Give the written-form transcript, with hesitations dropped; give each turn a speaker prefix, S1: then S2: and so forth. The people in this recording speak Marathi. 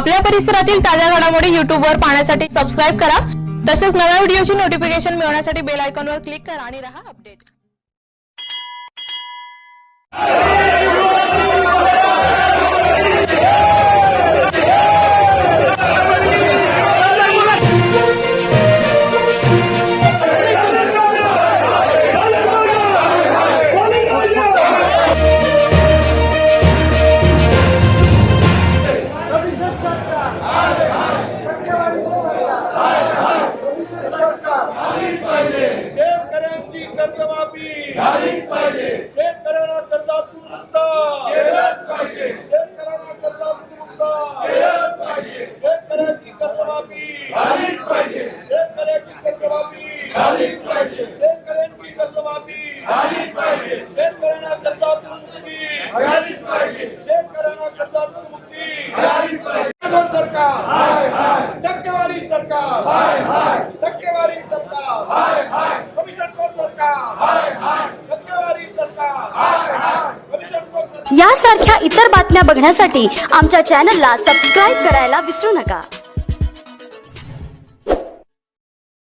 S1: आपल्या परिसरातील ताज्या घडामोडी YouTube वर पाहण्यासाठी सबस्क्राइब करा। तसेच नव्या व्हिडिओची नोटिफिकेशन मिळवण्यासाठी बेल आयकॉनवर क्लिक करा आणि रहा अपडेट।
S2: शेतकऱ्यांची कर्जमाफी झालीच पाहिजे। शेतकऱ्यांना कर्जातून मुक्त केलंच पाहिजे। शेतकऱ्यांना कर्जातून मुक्त केलंच पाहिजे। शेतकऱ्यांची कर्जमाफी झालीच पाहिजे। शेतकऱ्यांची कर्जमाफी झालीच पाहिजे। शेतकऱ्यांची कर्जमाफी झालीच पाहिजे। शेतकऱ्यांना कर्जातून मुक्ती झालीच पाहिजे। शेतकऱ्यांना कर्जातून मुक्ती झालीच पाहिजे। सरकार हाय हाय, टक्केवारी सरकार हाय हाय, टक्केवारी सरकार हाय हाय, कमिशनखोर सरकार हाय हाय, टक्केवारी सरकार हाय हाय, कमिशनखोर सरकार।
S3: यासारख्या इतर बातम्या बघण्यासाठी आमच्या चॅनलला सबस्क्राइब करायला विसरू नका।